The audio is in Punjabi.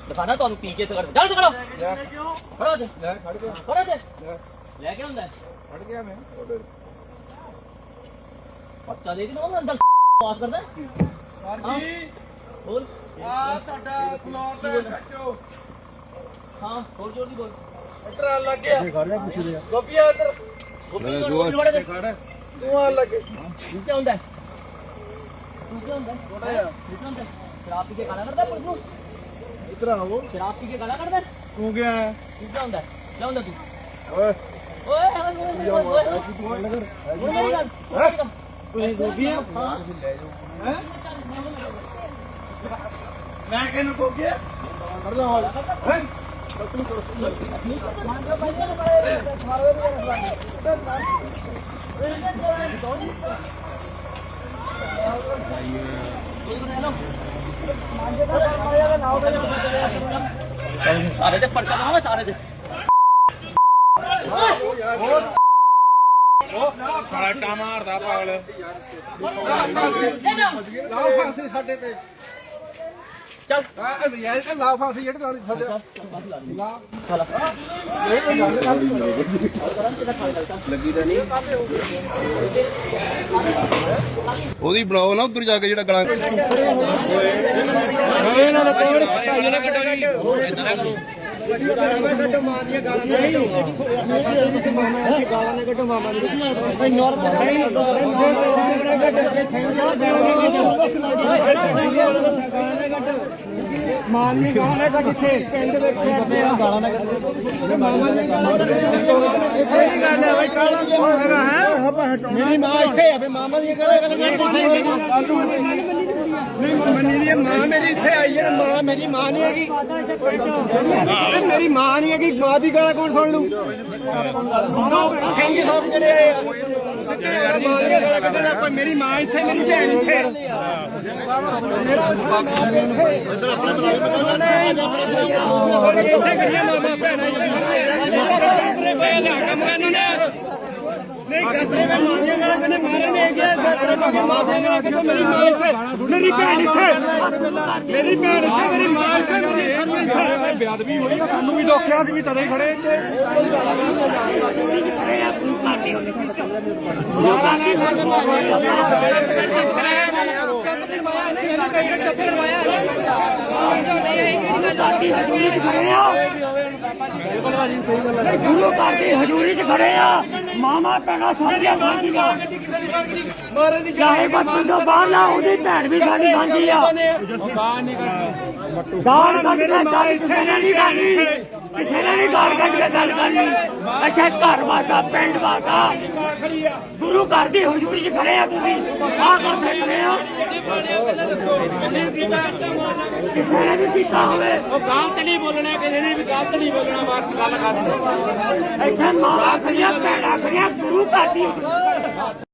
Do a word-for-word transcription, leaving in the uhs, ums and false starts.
ਦਿਖਾਣਾ ਤੁਹਾਨੂੰ ਪੀ ਕੇ ਸਿਗਰਟ ਚੱਲ ਖੜਾ ਖੜਾ ਤੇ ਲੈ ਖੜ ਗਿਆ ਖੜਾ ਤੇ ਲੈ ਲੈ ਕੇ ਹੁੰਦਾ ਖੜ ਗਿਆ ਮੈਂ ਪੱਤਾ ਦੇ ਕੇ ਉਹ ਅੰਦਰ ਪਾਸ ਕਰਦਾ ਸਰ ਜੀ ਬੋਲ ਆ ਤੁਹਾਡਾ ਫਲੋਰ ਤੇ ਖੱਚੋ ਹਾਂ ਹੋਰ ਜੋਰ ਦੀ ਬੋਲ ਟਰਾ ਲੱਗ ਗਿਆ ਖੜ ਜਾ ਪੁੱਛ ਰਿਹਾ ਗੋਪੀਆ ਇੱਧਰ ਗੋਪੀ ਗੋਪੀ ਵੜੇ ਤੇ ਖੜ ਤੂੰ ਆ ਲੱਗੇ ਤੂੰ ਕੀ ਹੁੰਦਾ ਤੂੰ ਕੀ ਹੁੰਦਾ ਛੋਟਾ ਜਿਹਾ ਤੂੰ ਕੀ ਹੁੰਦਾ ਸ਼ਰਾਬ ਪੀ ਕੇ ਗਾਲਾਂ ਕੱਢਦਾ ਪੁਲਿਸ ਨੂੰ ਇੱਧਰ ਆਓ ਸ਼ਰਾਬ ਪੀ ਕੇ ਗਾਲਾਂ ਕੱਢਦਾ ਤੂੰ ਗਿਆ ਤੂੰ ਕੀ ਹੁੰਦਾ ਜਾ ਹੁੰਦਾ ਤੂੰ ਓਏ ਓਏ ਓਏ ਓਏ ਓਏ ਤੁਸੀਂ ਗੋਪੀਆ ਹਾਂ ਹੈ ਮੈਂ ਕਿਹਨੂੰ ਕੋ ਗਿਆ ਕਰ ਲਾ ਹਾਲ ਹੈ ਤੂੰ ਕਰ ਸਾਰੇ ਤੇ ਪਰਚਾ ਦਵਾਂਗਾ ਸਾਰੇ ਤੇ ਸਾਲਟਾ ਮਾਰਦਾ ਪਾਗਲ ਲਾਓ ਫਾਂਸੀ ਸਾਡੇ ਤੇ ਚੱਲ ਆ ਯਾਰ ਇਹ ਲਾਓ ਫਾਂਸੀ ਜਿਹੜੇ ਲਾਉਣੀ ਸਾਡੇ ਲੱਗੀ ਤਾਂ ਨਹੀਂ ਉਹਦੀ ਬਣਾਓ ਨਾ ਉੱਧਰ ਜਾ ਕੇ ਜਿਹੜਾ ਗਲਾਂ ਇਹਨਾਂ ਦਾ ਕੋੜ ਭਾਈ ਨਾ ਕੱਟੋ ਜੀ ਇਦਾਂ ਨਾ ਕਰੋ ਗੱਡੋ ਮਾਰੀਆਂ ਗਾਲਾਂ ਨਾ ਕੱਟੋ ਮਾਮਾ ਦੀ ਗਾਲਾਂ ਨਾ ਕੱਟੋ ਮਾਮਾ ਦੀ ਭਾਈ ਨਾਰਮਲ ਨਹੀਂ ਮਾਨ ਨਹੀਂ ਗਾਲਾਂ ਨਾ ਕੱਟ ਇੱਥੇ ਪਿੰਡ ਵਿੱਚ ਗਾਲਾਂ ਨਾ ਕੱਟੋ ਮਾਮਾ ਦੀ ਗਾਲਾਂ ਇੱਥੇ ਹੀ ਗੱਲ ਹੈ ਭਾਈ ਗਾਲਾਂ ਕਿਉਂ ਹੈਗਾ ਹੈ ਮੇਰੀ ਮਾਂ ਇੱਥੇ ਹੈ ਵੀ ਮਾਮਾ ਦੀ ਗਾਲਾਂ ਨਹੀਂ ਮੰਨੀ ਦੀ ਮਾਂ ਮੇਰੀ ਇੱਥੇ ਆਈ ਹੈ ਮਾਂ ਮੇਰੀ ਮਾਂ ਨਹੀਂ ਹੈਗੀ ਮੇਰੀ ਮਾਂ ਨਹੀਂ ਹੈਗੀ ਮਾਂ ਦੀ ਗਾਲਾਂ ਕੌਣ ਸੁਣ ਲੂ ਸਿੰਘ ਸਾਹਿਬ ਜਿਹੜੇ ਆਏ ਆ ਮੇਰੀ ਮਾਂ ਇੱਥੇ ਮੇਰੀ ਭੈਣ ਇੱਥੇ ਇੱਧਰ ਆਪਣੇ ਬੁਲਾਏ ਇੱਥੇ ਕਿੰਨੇ ਮਾਮਾ ਭੈਣਾਂ ਇੱਥੇ ਪਏ ਲਿਆ ਕੰਮ ਇਹਨਾਂ ਨੇ ਨਹੀਂ ਗੱਤਰੇ ਮੈਂ ਮਾਰੀਆਂ ਗਾਲਾਂ ਕਹਿੰਦੇ ਮਾਰੇ ਨੇ ਗਿਆ ਗੱਤਰੇ ਪਾ ਕੇ ਮਾਰੀਆਂ ਗਾਲਾਂ ਕਹਿੰਦੇ ਮੇਰੀ ਮਾਂ ਇੱਥੇ ਮੇਰੀ ਭੈਣ ਇੱਥੇ ਮੇਰੀ ਭੈਣ ਇੱਥੇ ਮੇਰੀ ਮਾਂ ਇੱਥੇ ਮੇਰੀ ਇੱਥੇ ਬੇਅਦਬੀ ਹੋਈ ਆ ਤੁਹਾਨੂੰ ਵੀ ਦੋਖਿਆ ਸੀ ਵੀ ਤਦੇ ਖੜੇ ਇੱਥੇ ਗੁਰੂ ਘਰ ਦੀ ਹਜ਼ੂਰੀ 'ਚ ਖੜੇ ਆ ਮਾਮਾ ਭੈਣਾਂ ਸਾਡੀਆਂ ਸਾਂਝੀਆਂ ਚਾਹੇ ਕੋਈ ਪਿੰਡੋਂ ਬਾਹਰ ਨਾ ਉਹਦੀ ਭੈਣ ਵੀ ਸਾਡੀ ਸਾਂਝੀ ਆ ਗਾਲ ਕੱਢ ਕੇ ਗੱਲ ਕਿਸੇ ਨੇ ਨਹੀਂ ਕਰਨੀ ਕਿਸੇ ਨੇ ਨਹੀਂ ਗਾਲ ਕੱਢ ਕੇ ਗੱਲ ਕਰਨੀ ਇੱਥੇ ਘਰ ਵਾਦਾ ਪਿੰਡ ਵਾਦਾ ਗੁਰੂ ਘਰ ਦੀ ਹਜ਼ੂਰੀ 'ਚ ਖੜੇ ਆ ਤੁਸੀਂ ਆਹ ਕਰਦੇ ਖੜੇ ਆ ਕਿਸੇ ਨੇ ਵੀ ਕੀਤਾ ਹੋਵੇ ਉਹ ਗਲਤ ਨਹੀਂ ਬੋਲਣਾ ਕਿਸੇ ਨੇ ਵੀ ਗਲਤ ਨਹੀਂ ਬੋਲਣਾ ਬਸ ਗੱਲ ਕਰ ਇੱਥੇ ਮਾਂ ਖੜੀਆਂ ਭੈਣਾਂ ਖੜੀਆਂ ਗੁਰੂ ਘਰ ਦੀ